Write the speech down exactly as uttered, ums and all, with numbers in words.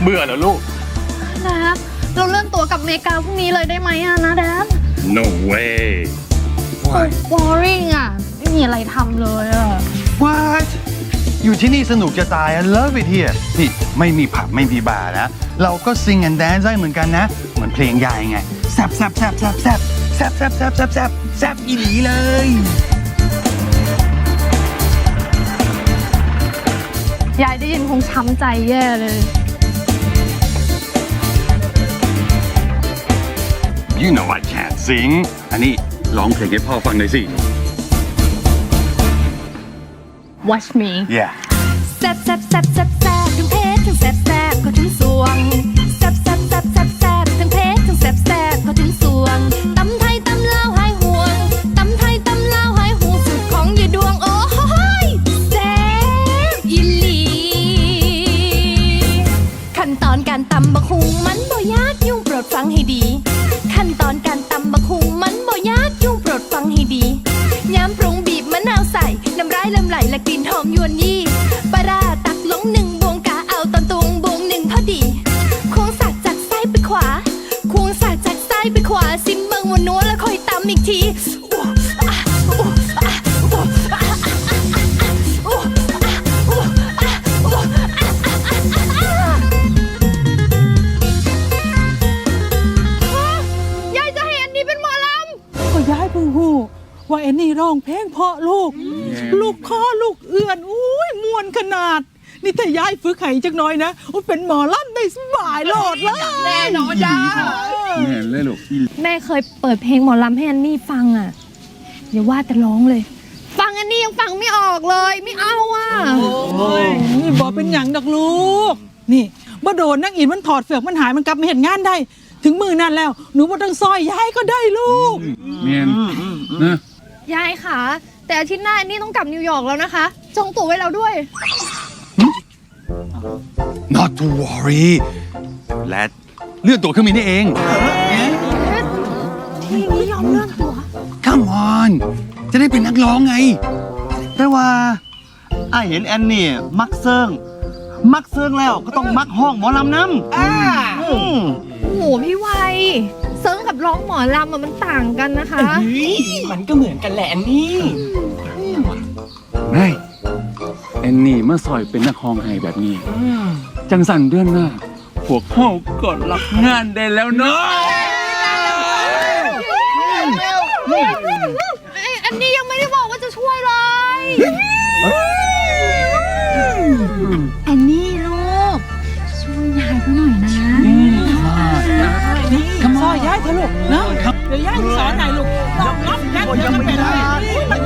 เบื่อเหรอลูกแดดเราเลื่อนตั๋วกับอเมริกาพรุ่งนี้เลยได้ไหมอะนะแดด no way โอ้ boring อะไม่มีอะไรทำเลยอะ What อยู่ที่นี่สนุกจะตาย I love it here นี่ไม่มีผับไม่มีบาร์นะ เราก็ sing and dance ได้เหมือนกันนะ เหมือนเพลงยายไงแซบแซบแซบแซบแซบแซบแซบแซบแซบแซบแซบอีหลีเลยยายได้ยินคงช้ำใจแย่เลย You know I can't sing อันนี้ร้องเพลงให้พ่อฟังหน่อยสิ Watch me Yeah แซบแซบแซบแซบแซบทั้งเพชรทั้งแซบแซบก็ถึงสวงแซบแซบแซบแซบแซบทั้งเพชรทั้งแซบแซบก็ถึงสวงตำไทยตำลาวหายห่วงตำไทยตำลาวหายห่วงสุดของยายดวงโอ้โหแซบอีหลีขั้นตอนการตำบักหุงมันบ่ยากยุ่งโปรดฟังให้ดีขั้นตอนการตำบักหุงมันบ่ยากยุ่งโปรดฟังให้ดีย้ำปรุงบีบมะนาวใส่น้ำร้ายลำไหลและกลิ่นหอมยวนยี่ปลาร้าตักลงหนึ่งบวงกะเอาตอนตุงบวงหนึ่งพอดีควงสักจากซ้ายไปขวาควงสักจากซ้ายไปขวาซิมเบิงวันนัวแล้วค่อยตำอีกทียายจะให้อันนี้เป็นหมอลำก็ย้ายเพิ่งหูว่าไอ้นี่ร้องเพลงเพราะลูก ลูกคอลูกเอื้อนอุ้ยมวนขนาด นี่ถ้าย้ายฝึกไห้จักหน่อยนะอุ้ยเป็นหมอลำได้สบายโลดเลยแน่นอนจ้าแม่เลยลูกแม่เคยเปิดเพลงหมอลำให้อันนี่ฟังอะอย่าว่าแต่ร้องเลย ฟังอันนี้ยังฟังไม่ออกเลยไม่เอาอะนี่บอกเป็นอย่างดอกลูก นี่บ่โดนนักอินมันถอดเฟือกมันหายมันกลับมาเห็นงานได้ ถึงมือนั่นแล้วหนูบ่ต้องซอยย้ายก็ได้ลูกเมียนนะยายค่ะแต่อาทิตย์หน้าอันนี่ต้องกลับนิวยอร์กแล้วนะคะจองตั๋วไว้แล้วด้วย Not to worry และเลื่อนตัวเครื่องบินได้เองที่ไม่ยอมเลื่อนตั๋ว Come on จะได้เป็นนักร้องไงแต่ว่าไอ้เห็นแอนนี่มักเซิงมักเซิงแล้วก็ต้องมักห้องหมอลำน้ำอ่าโอ้โหพี่ไวเซิร์งกับร้องหมอลำอะมันต่างกันนะคะมันก็เหมือนกันแหละนี่ไม่แอนนี่เมื่อซอยเป็นนักฮ้องไห้แบบนี้ จังสันเดือนหน้า พวกเขาก็รับงานได้แล้วเนาะอันนี้ยังไม่ได้บอกว่าจะช่วยเลยแอนนี่ลูกช่วยยายเขาหน่อยนะนี่ซอยย้ายเถอะลูกเนาะเดี๋ยวย้ายสอนไหนลูกลองรับยัดเดี๋ยวจะเป็นอะไร